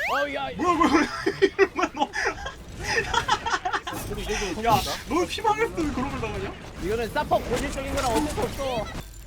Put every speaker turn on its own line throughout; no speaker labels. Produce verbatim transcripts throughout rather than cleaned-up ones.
어야
뭐야 뭐야 이러면 너.
우리 이 정도로
야,
성공이다.
너 피망했어 왜 그런 걸 당하냐?
이거는 사퍼 본질적인 거랑 어쩔 수 없어.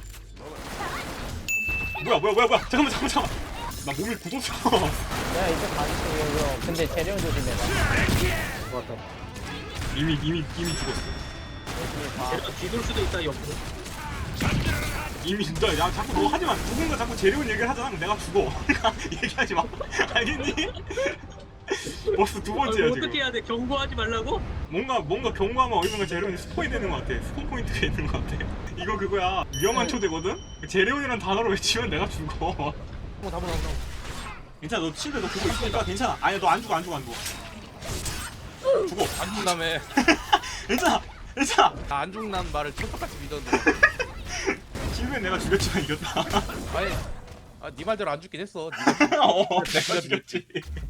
뭐야 뭐야 뭐야 뭐야 잠깐만 잠깐만 잠깐만. 나 몸이 굳었어.
내가 이제 가줄게 이거. 근데 재령 조심해라.
좋았다.
이미 이미 이미 죽었어.
열심히 봐.
제가 뒤돌 수도 있다 옆으로.
이미 진짜 야 자꾸 너 하지 마. 죽은 거 자꾸 재료운 얘기를 하잖아. 그럼 내가 죽어. 그러니까 얘기하지 마. 알겠니? 벌써 두 번째야
아,
지금.
어떻게 해야 돼? 경고하지 말라고?
뭔가 뭔가 경고하면 어디선가 재료운이 스포이 되는 것 같아. 스폰 포인트가 있는 것 같아. 이거 그거야. 위험한 초대거든. 재료운이란 단어로 외치면 내가 죽어.
어 다보 다보.
괜찮아. 너 침대 너 그거 있으니까 괜찮아. 아니야 너 안 죽어 안 죽어 안 죽어. 죽어.
안 죽나며.
괜찮아. 괜찮아.
안 죽난 말을 천떡같이 믿었는데.
지금은 내가 죽였지만 이겼다.
아니, 아, 네 말대로 안 죽긴 했어. 네가
어, 내가 죽였지.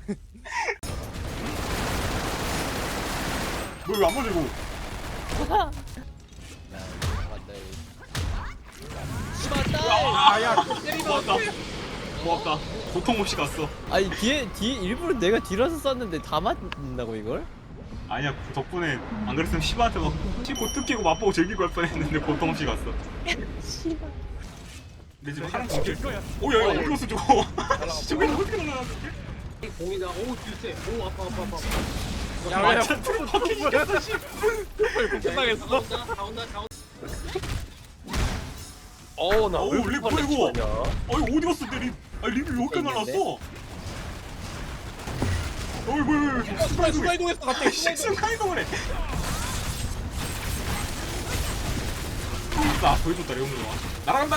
뭐 왜 안 맞으고?
아야,
고맙다. 고맙다. 고통 없이 갔어.
아니 뒤에 뒤에 일부러 내가 뒤라서 쐈는데 다 맞는다고 이걸?
아니야 덕분에 안 그랬으면 시바한테 막 치고 뜯기고 맛보고 즐기고 할 뻔했는데 고통 없이 갔어. 근데 지금 하나 죽일 거야. 오야 야 어디 갔어 저거? 저거 어떻게 날라갔지?
공이다. 오 뒤세. 오 아파 아파 아파.
야, 야,
완전 퍼킹 시켰어. 씨.
끝나겠어.
다 온다 다 온다 다 온다.
어, 나
어우 렉 뭐야 이거? 어 이거 어디 갔어 내 립? 아 립이 왜 이렇게 날랐어? 어이 뭐야 뭐야 뭐야
순간 순간 이동했어 갑자기.
식순간 이동을 해. 나 보여줬다 레오노가. 날아간다.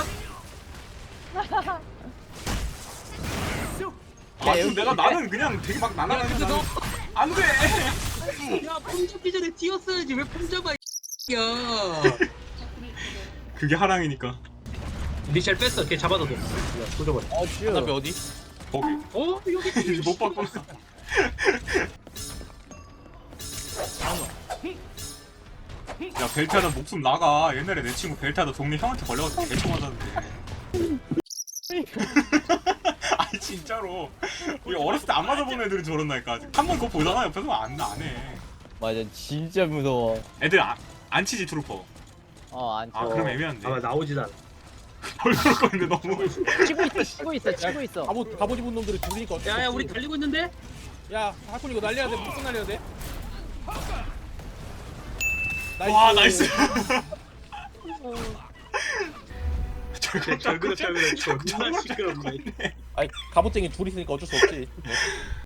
아 지금 내가 나는 그냥 되게 막 날아가는 나는 안돼.
야 폼잡기 전에 튀었어야지 왜 폼잡아 야.
그게 하랑이니까.
미셸 뺐어. 걔 잡아둬. 야 조져버려.
어 쭈.
답이 어디?
거기.
어 여기
못 봤구나. 야 벨타는 목숨 나가. 옛날에 내 친구 벨타도 동네 형한테 걸려가지고 개쳐 맞았는데. 아니 진짜로. 이 어렸을 때 안 맞아본 애들이 저런다니까. 한 번 그거 보잖아 옆에서 안 안 해.
맞아 진짜 무서워.
애들 안, 안 치지 트루퍼.
어안 쳐.
아 그럼 애매한데.
아 나오지도 않아.
얼굴 거는데 너무.
치고 있어 치고 있어 치고 있어.
갑옷 갑옷 입은 놈들이 죽으니까. 어쩔 수
야야
없지.
우리 달리고 있는데?
야, 하쿤 이거 날려야 돼. 무슨 날려야 돼?
와 나이스.
잘 그렸 잘 그렸.
자꾸
존나
정말
시끄럽네.
아니, 갑옷쟁이 둘이 있으니까 어쩔 수 없지.